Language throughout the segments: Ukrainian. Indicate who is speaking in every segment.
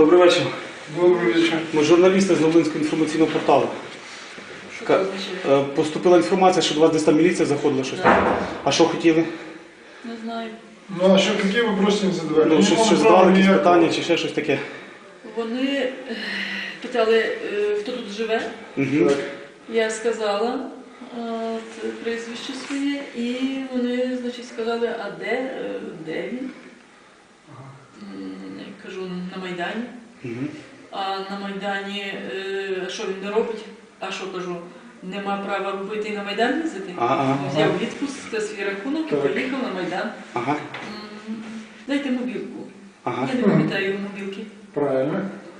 Speaker 1: Добрий вечір.
Speaker 2: Добрий вечір.
Speaker 1: Ми журналісти з Новинського інформаційного порталу. Поступила інформація, що до вас десь там міліція заходила щось.
Speaker 3: Да.
Speaker 1: А що хотіли?
Speaker 3: Не знаю.
Speaker 2: Ну а що, які вопроси не задавали?
Speaker 1: Ну, щось задавали, якісь питання чи ще щось таке?
Speaker 3: Вони питали, хто тут живе.
Speaker 1: Угу.
Speaker 3: Я сказала прізвище своє, і вони, значить, сказали, а де він? Я кажу, на Майдані.
Speaker 1: Угу.
Speaker 3: А на Майдані, що він не робить? А що, кажу, нема права робити і на Майдан їздити? Взяв відпуск за свій рахунок і поїхав на Майдан.
Speaker 1: Ага.
Speaker 3: Дайте мобілку.
Speaker 1: Ага.
Speaker 3: Я не пам'ятаю його мобілки.
Speaker 2: Правильно.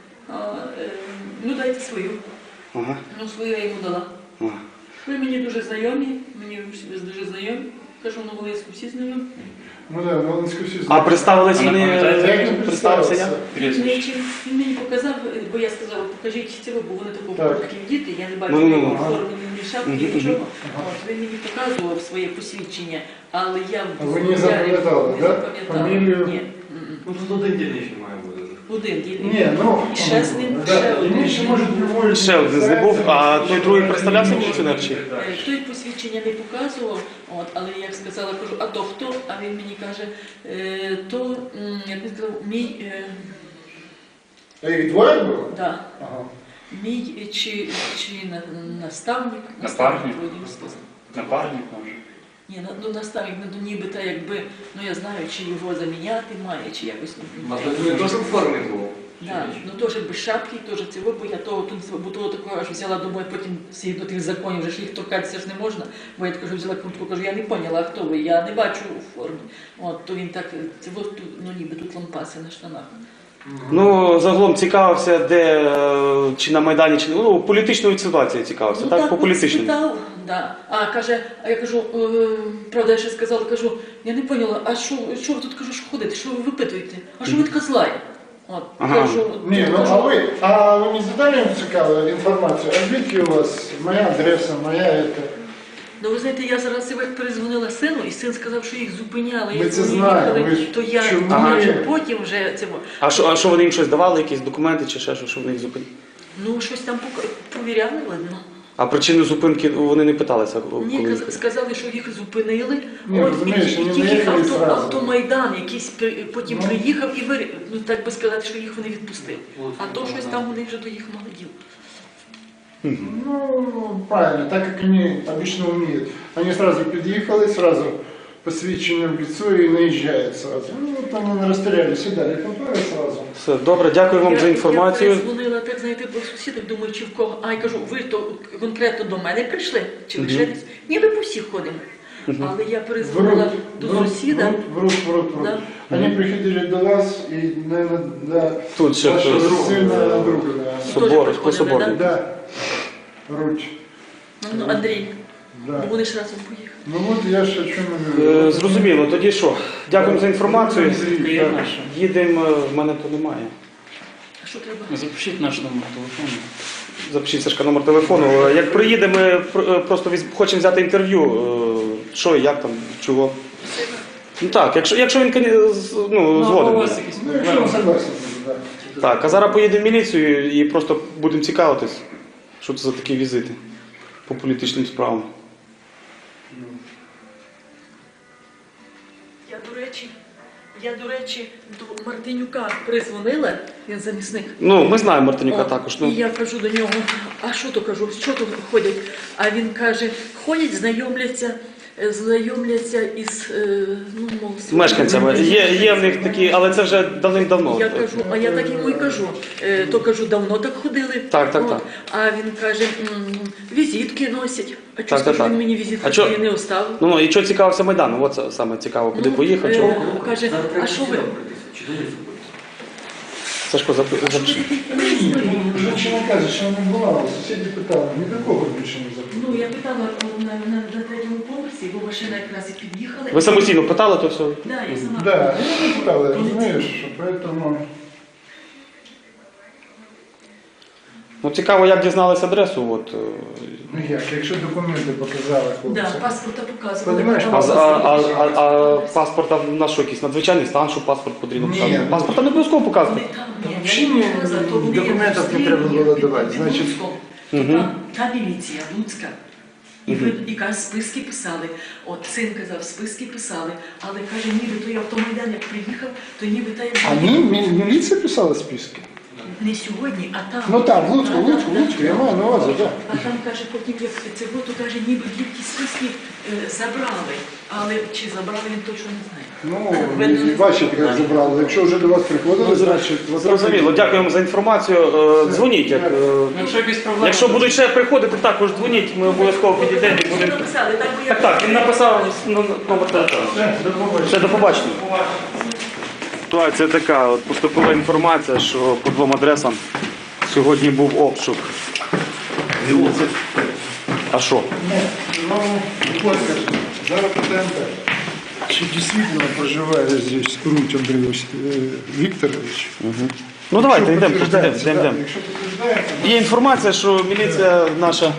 Speaker 3: Ну, дайте свою.
Speaker 1: Ага.
Speaker 3: Ну, свою я йому дала.
Speaker 1: Ага.
Speaker 3: Ви мені дуже знайомі, дуже знайомі. Кажу, на Волинську всі знайомі.
Speaker 2: Ну так, на Волинську всі
Speaker 1: А
Speaker 2: знають.
Speaker 1: представились
Speaker 2: Як
Speaker 1: вони,
Speaker 2: він
Speaker 1: представився я?
Speaker 3: Він мені показав, бо я сказала, покажіть цього, бо вони такого
Speaker 2: Так.
Speaker 3: такі діти, я не бачу
Speaker 1: Ну,
Speaker 3: ні
Speaker 1: ага.
Speaker 3: форми, ні шапки, нічого. От, він мені показував своє посвідчення, але я
Speaker 2: А ви не запам'ятали,
Speaker 3: не
Speaker 2: так? Фамілію?
Speaker 3: Ні.
Speaker 4: Ну тут один дільничний має бути.
Speaker 3: Один дільний.
Speaker 2: Ні, ну,
Speaker 3: І ще з ним,
Speaker 2: да,
Speaker 3: ще
Speaker 2: і
Speaker 3: один.
Speaker 2: він ще може любой...
Speaker 1: Ще один з них був, а той другий представлявся міліціонер чи?
Speaker 3: Той посвідчення не показував, от, але я сказала, кажу, а то хто? А він мені каже, то, як він сказав, мій,
Speaker 2: А їх двоє було?
Speaker 3: да,
Speaker 2: Ага.
Speaker 3: мій чи наставник,
Speaker 4: Напарник?
Speaker 3: вроді він сказав.
Speaker 4: Напарник може.
Speaker 3: Ні, ну наставник, ну нібито якби, ну я знаю, чи його заміняти має, чи якось.
Speaker 4: Він теж у формі був.
Speaker 3: Да, ну теж без шапки, теж цього, бо я того такого аж взяла, думаю, потім згідно тих законів, вже ж їх торкатися ж не можна, бо я кажу, взяла куртку, кажу, я не поняла, а хто ви, я не бачу у формі. От, то він так, цього, ну ніби тут лампаси на штанах.
Speaker 1: Ну, загалом цікавився, де, чи на Майдані, чи ну, політичною ситуацією цікавився,
Speaker 3: Ну,
Speaker 1: так? По політичному.
Speaker 3: спитав, да. А каже, а я кажу, правда, я ще сказала, кажу, я не поняла, а що ви тут, кажу, що ходите, що ви випитуєте? А що ви така злая? От,
Speaker 1: Ага.
Speaker 3: кажу,
Speaker 2: Ні, ну
Speaker 3: кажу,
Speaker 2: а ви не задали їм цікаву інформацію? А звідки у вас моя адреса, моя ета?
Speaker 3: ну ви знаєте, я зараз як перезвонила сину, і син сказав, що їх зупиняли.
Speaker 2: Ми
Speaker 3: як
Speaker 2: це
Speaker 3: вони
Speaker 2: знаємо,
Speaker 3: їхали,
Speaker 2: ви ж
Speaker 3: то я
Speaker 2: чому
Speaker 3: вже
Speaker 2: ні?
Speaker 3: потім вже це.
Speaker 1: А що вони їм щось давали, якісь документи чи ще що вони їх зупинили?
Speaker 3: Ну, щось там провіряли, видно.
Speaker 1: А причину зупинки вони не питалися?
Speaker 3: Ні,
Speaker 1: коли?
Speaker 3: сказали, що їх зупинили.
Speaker 2: Ні, розумієш, вони
Speaker 3: тільки
Speaker 2: наїхали зразу.
Speaker 3: автомайдан якийсь потім
Speaker 2: Ну.
Speaker 3: приїхав і ну так би сказати, що їх вони відпустили. А то щось там вони вже до їх молодів.
Speaker 2: Ну, правильно, так как они обычно умеют. Они сразу подъехали, сразу посвящение в лицо и наезжают сразу. Ну, вот они расстреляли сюда, рекомпары сразу.
Speaker 1: Все, добре, дякую вам за інформацію.
Speaker 3: Я перезвонила, так, знаєте, до сусідок, думаю, чи в кого. А я кажу, ви то конкретно до мене прийшли? Чи ви ще десь? Ні, ми по всіх ходимо. Але я перезвонила до сусіда.
Speaker 2: Врут.
Speaker 3: Да.
Speaker 2: Они приходили до вас и, наверное, до
Speaker 1: Тут ще
Speaker 2: вашего
Speaker 1: хтось.
Speaker 2: сына друга. Да.
Speaker 1: Собор,
Speaker 3: Теж
Speaker 1: по собору.
Speaker 2: Да. Руть.
Speaker 3: Ну, Андрій, бо
Speaker 2: Да.
Speaker 3: вони ж разом поїхали.
Speaker 2: Ну вот я ж о чем и говорю.
Speaker 1: Зрозуміло, тоді що? Дякуємо за інформацію.
Speaker 4: Приємно.
Speaker 1: Їдемо, в мене то немає.
Speaker 3: А що треба?
Speaker 4: Запишіть наш номер телефону.
Speaker 1: Запишіть, Сашка, номер телефону. Як приїде, ми просто хочемо взяти інтерв'ю. Що, як там, чого. Ну так, якщо він ну, згоден.
Speaker 2: Ну, якщо он согласен, да.
Speaker 1: Так, а зараз поїдемо в міліцію і просто будемо цікавитись, що це за такі візити по політичним справам.
Speaker 3: Я, до речі, до Мартинюка призвонила, він замісник.
Speaker 1: Ну, ми знаємо Мартинюка
Speaker 3: О,
Speaker 1: також.
Speaker 3: І
Speaker 1: Ну.
Speaker 3: я кажу до нього, а що то кажу, що тут ходять? А він каже, ходять, знайомляться із, ну, мов,
Speaker 1: З мешканцями. Є в них такі, але це вже давним-давно.
Speaker 3: Я кажу, а я так йому і кажу. То кажу, давно так ходили.
Speaker 1: Так.
Speaker 3: От. А він каже, візитки носять. А чого
Speaker 1: Так.
Speaker 3: він мені візитки
Speaker 1: А чо-
Speaker 3: свої не оставив?
Speaker 1: Ну, і що цікавився Майданом? От це саме цікаво, куди поїхав, чого.
Speaker 3: Каже, а що ви?
Speaker 1: Сашко, запиши.
Speaker 2: Женщина каже, що не була, сусіди питали, ніякого більше не запитали.
Speaker 3: Ну, я питала на третьому поверсі, бо машина якраз і під'їхала.
Speaker 1: Ви самостійно питали, то все?
Speaker 3: Да, я сама.
Speaker 2: Да, ну, питали, розумієш, поэтому...
Speaker 1: Ну цікаво, як дізналися адресу. От,
Speaker 2: Ну як, якщо документи показали хлопці.
Speaker 3: Да, паспорта показували.
Speaker 2: Понимаєш,
Speaker 1: а паспорта на що якийсь надзвичайний стан, що паспорт потрібно
Speaker 2: Ні.
Speaker 1: показувати? Паспорта не обов'язково показувати.
Speaker 2: Взагалі ні, документів не треба було давати, значить.
Speaker 3: Та міліція Луцька. І каже, списки писали. От син казав, списки писали, але каже, ніби той автомайдан, як приїхав, то ніби та як
Speaker 2: А міліція писала списки?
Speaker 3: не сьогодні, а там.
Speaker 2: Ну там, в Луцьку, я маю на увазі, так.
Speaker 3: А там, каже, потім, як це було, то каже, ніби ті списки забрали. Але чи забрали, він точно не знає.
Speaker 2: Ну, бачите, як забрали. Якщо вже до вас приходили, значить...
Speaker 1: Зрозуміло, дякуємо за інформацію. Дзвоніть.
Speaker 4: Якщо якісь проблеми...
Speaker 1: Якщо будуть ще приходити, також дзвоніть, ми обов'язково підійдемо і будемо.
Speaker 3: Написали, так, бо я...
Speaker 1: Так, він написав номер телефону. Все, до побачення. Ситуація така, от поступила інформація, що по двом адресам сьогодні був обшук. А що?
Speaker 2: Ну, Костя, зараз питаємо так. Чи дійсно проживає здесь Руть Андрій Вікторович?
Speaker 1: Ну давайте,
Speaker 2: Якщо
Speaker 1: йдемо.
Speaker 2: підтверджається,
Speaker 1: Йдемо.
Speaker 2: так, якщо підтверджається,
Speaker 1: Є інформація, що міліція наша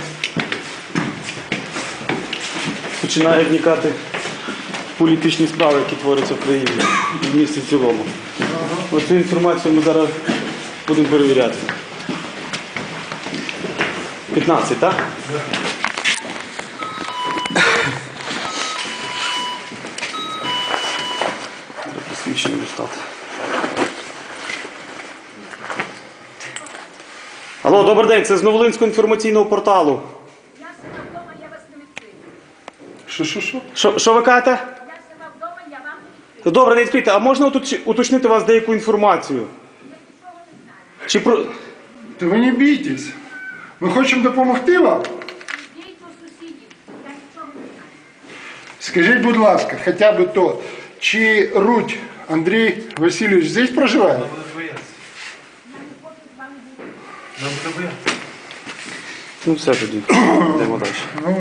Speaker 1: починає вникати в політичні справи, які творяться в країні, в місті в цілому. Оцю інформацію ми зараз будемо перевіряти. 15, так? Посвідчення достати. Алло, добрий день, це з Новолинського інформаційного порталу.
Speaker 5: Я сама вдома, я вас не відкрию.
Speaker 2: Що?
Speaker 1: Що ви кажете?
Speaker 5: Я сама вдома, я вам не відкрию.
Speaker 1: Добре, не відкрийте. А можна уточнити вас деяку інформацію?
Speaker 5: Я нічого не знаю.
Speaker 1: Чи про...
Speaker 2: Та ви не бійтесь. Ми хочемо допомогти вам.
Speaker 5: Йдіть до сусідів, я нічого не знаю.
Speaker 2: Скажіть, будь ласка, хоча б то, чи Руть Андрій Васильович здесь проживає?
Speaker 5: Я не хочу з вами бути.
Speaker 1: Ну все тоді. Йдемо далі.